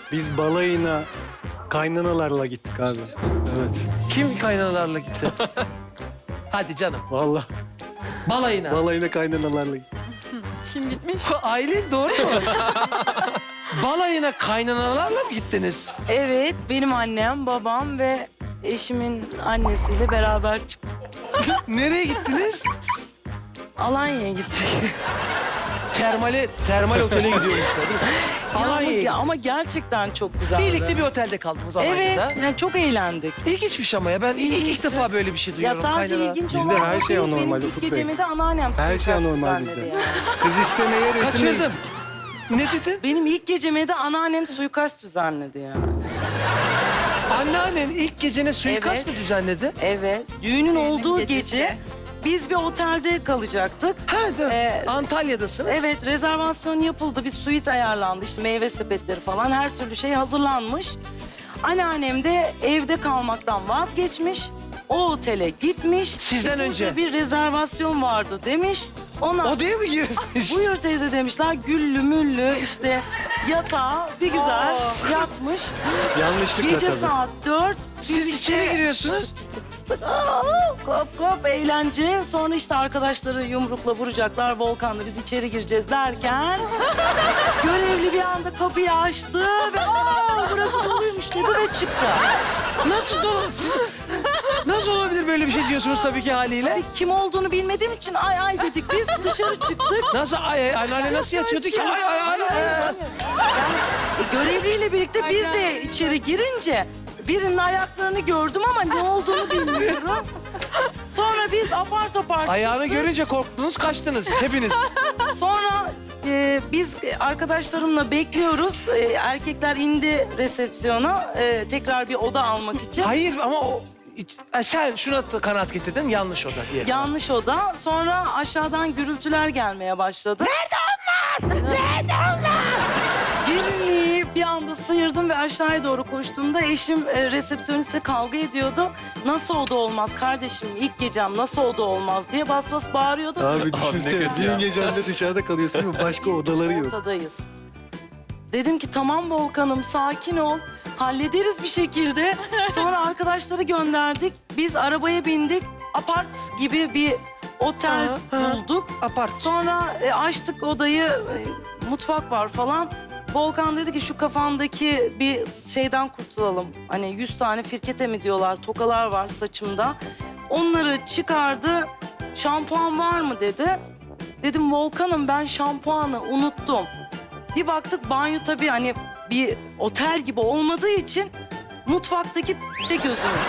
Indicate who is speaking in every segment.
Speaker 1: Biz balayına kaynanalarla gittik abi. Evet.
Speaker 2: Kim kaynanalarla gitti? Hadi canım.
Speaker 1: Vallahi
Speaker 2: Balayına.
Speaker 1: balayına kaynanalarla gittik.
Speaker 3: Kim gitmiş?
Speaker 2: Aylin doğru mu? Balayına kaynanalarla mı gittiniz?
Speaker 4: Evet, benim annem, babam ve eşimin annesiyle beraber çıktık.
Speaker 2: Nereye gittiniz?
Speaker 4: Alanya'ya gittik.
Speaker 2: Termal otele gidiyormuşlar değil mi? Alanya'ya
Speaker 4: Ya ama gerçekten çok güzeldi.
Speaker 2: Birlikte bir otelde kaldınız
Speaker 4: Evet,
Speaker 2: Alanya'da.
Speaker 4: yani çok eğlendik.
Speaker 2: İlginçmiş ama ya. Ben ilk defa böyle bir şey
Speaker 4: Ya
Speaker 2: duyuyorum.
Speaker 4: sadece
Speaker 2: kaynana.
Speaker 4: ilginç
Speaker 1: Bizde
Speaker 4: olan
Speaker 1: her
Speaker 4: o
Speaker 1: şey
Speaker 4: değil,
Speaker 1: anormal,
Speaker 4: benim
Speaker 1: Ufuk
Speaker 4: ilk
Speaker 1: Bey.
Speaker 4: gecemi de anneannem
Speaker 1: Her şey
Speaker 4: suikast
Speaker 1: anormal
Speaker 4: düzenledi
Speaker 1: bizde.
Speaker 4: yani.
Speaker 1: Kız istemeye resmi...
Speaker 2: Kaçırdım. Ne dedin?
Speaker 4: Benim ilk gecemi de anneannem suikast düzenledi yani.
Speaker 2: Anneannen ilk gecene suikast
Speaker 4: Evet.
Speaker 2: mı düzenledi?
Speaker 4: Evet, düğünün olduğu
Speaker 3: gecesi.
Speaker 4: gece biz bir otelde kalacaktık.
Speaker 2: Ha, değil mi? Antalya'dasınız.
Speaker 4: Evet, rezervasyon yapıldı. Bir suite ayarlandı. İşte meyve sepetleri falan her türlü şey hazırlanmış. Anneannem de evde kalmaktan vazgeçmiş. O otele gitmiş.
Speaker 2: Sizden
Speaker 4: Burada
Speaker 2: önce.
Speaker 4: bir rezervasyon vardı demiş. Ona
Speaker 2: Odaya mı girmiş?
Speaker 4: buyur teyze demişler. Güllü müllü işte yatağa bir güzel yatmış.
Speaker 1: Yanlışlıkla
Speaker 4: Gece
Speaker 1: tabii.
Speaker 4: saat 4.
Speaker 2: Siz içeri giriyorsunuz.
Speaker 4: Fıstık fıstık. Kop kop eğlence. Sonra işte arkadaşları yumrukla vuracaklar. Volkan'la biz içeri gireceğiz derken görevli bir anda kapıyı açtı ve burası doluymuş dedi ve çıktı.
Speaker 2: Nasıl Nasıl olabilir böyle bir şey diyorsunuz tabii ki haliyle?
Speaker 4: Kim olduğunu bilmediğim için ay ay dedik biz dışarı çıktık.
Speaker 2: Nasıl anneanne nasıl yatıyordu ki? Ay.
Speaker 4: Görevliyle birlikte biz de içeri girince birinin ayaklarını gördüm ama ne olduğunu bilmiyorum. Sonra biz apar topar
Speaker 2: Ayağını
Speaker 4: çıktık.
Speaker 2: görünce korktunuz, kaçtınız hepiniz.
Speaker 4: Sonra biz arkadaşlarımla bekliyoruz. Erkekler indi resepsiyona tekrar bir oda almak için.
Speaker 2: Hayır ama sen şuna kanaat getirdin, yanlış oda diye.
Speaker 4: Yanlış oda. Sonra aşağıdan gürültüler gelmeye başladı. Nerede onlar? Gelinliği bir anda sıyırdım ve aşağıya doğru koştuğumda eşim resepsiyonistle kavga ediyordu. Nasıl oda olmaz kardeşim ilk gecem nasıl oda olmaz diye bas bas bağırıyordu.
Speaker 1: Abi düşünsene düğün gecende dışarıda kalıyorsun ama başka odaları yok.
Speaker 4: Ortadayız. Dedim ki tamam Volkan'ım sakin ol. Hallederiz bir şekilde. Sonra arkadaşları gönderdik. Biz arabaya bindik. Apart gibi bir otel bulduk.
Speaker 2: Apart.
Speaker 4: Sonra açtık odayı. Mutfak var falan. Volkan dedi ki şu kafamdaki bir şeyden kurtulalım. Hani 100 tane firkete mi diyorlar, tokalar var saçımda. Onları çıkardı. Şampuan var mı dedi. Dedim Volkan'ım ben şampuanı unuttum. Bir baktık banyo tabii hani bir otel gibi olmadığı için mutfaktaki de gözüme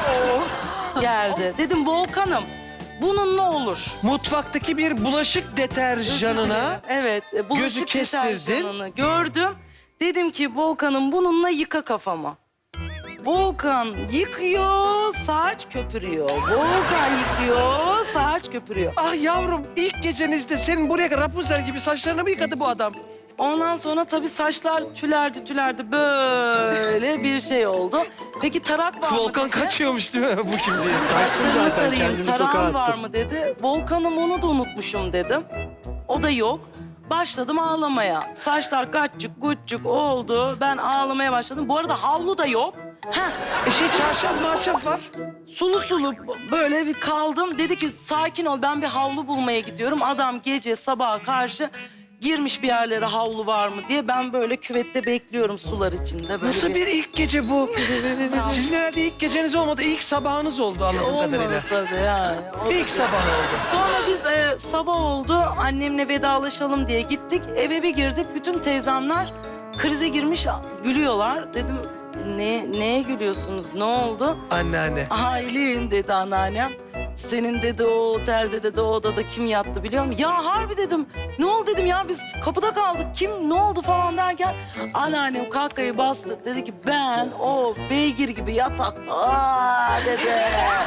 Speaker 4: geldi. Dedim Volkan'ım bunun ne olur?
Speaker 2: Mutfaktaki bir bulaşık deterjanına
Speaker 4: Evet, bulaşık
Speaker 2: gözü kestirdin.
Speaker 4: deterjanını gördüm. Dedim ki Volkan'ım bununla yıka kafama. Volkan yıkıyor, saç köpürüyor. Volkan yıkıyor, saç köpürüyor.
Speaker 2: Ah yavrum ilk gecenizde senin buraya kadar Rapunzel gibi saçlarını mı yıkadı bu adam?
Speaker 4: Ondan sonra tabii saçlar tülerdi böyle bir şey oldu. Peki tarak var mı
Speaker 2: Volkan
Speaker 4: dedi.
Speaker 2: kaçıyormuş değil mi bu kim diye?
Speaker 1: Kaçtım
Speaker 4: Saçlarımı
Speaker 1: zaten,
Speaker 4: tarayayım,
Speaker 1: kendimi sokağa
Speaker 4: tarağın var
Speaker 1: attım.
Speaker 4: mı dedi. Volkan'ım onu da unutmuşum dedim. O da yok. Başladım ağlamaya. Saçlar gaçcık guçcuk oldu. Ben ağlamaya başladım. Bu arada havlu da yok. Heh,
Speaker 2: Çarşaf marşaf var.
Speaker 4: sulu sulu böyle bir kaldım. Dedi ki sakin ol ben bir havlu bulmaya gidiyorum. Adam gece sabaha karşı girmiş bir yerlere havlu var mı diye. Ben böyle küvette bekliyorum sular içinde. Böyle
Speaker 2: Nasıl bir ilk gece bu? Sizin herhalde ilk geceniz olmadı, ilk sabahınız oldu anladığım kadarıyla.
Speaker 4: Olmadı tabii yani.
Speaker 2: İlk sabah oldu.
Speaker 4: Sonra biz sabah oldu annemle vedalaşalım diye gittik. Eve bir girdik bütün teyzemler krize girmiş gülüyorlar. Dedim neye gülüyorsunuz ne oldu?
Speaker 2: Anneanne.
Speaker 4: Aylin dedi anneannem. Senin dedi o otelde dedi o odada kim yattı biliyor musun? Ya harbi dedim. Ne oldu dedim ya biz kapıda kaldık. Kim ne oldu falan derken anneannem kalkayı bastı. Dedi ki ben o beygir gibi yatakta dedi.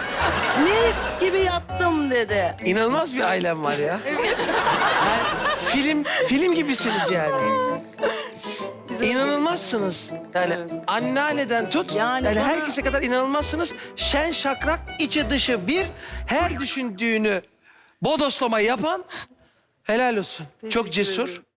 Speaker 4: Mis gibi yattım dedi.
Speaker 2: İnanılmaz bir ailem var ya. Yani film gibisiniz yani. İnanılmazsınız. Yani anneanneden tut,
Speaker 4: Yani
Speaker 2: yani
Speaker 4: bana-
Speaker 2: herkese kadar inanılmazsınız. Şen şakrak, içi dışı bir, her düşündüğünü bodoslama yapan helal olsun. Çok cesur.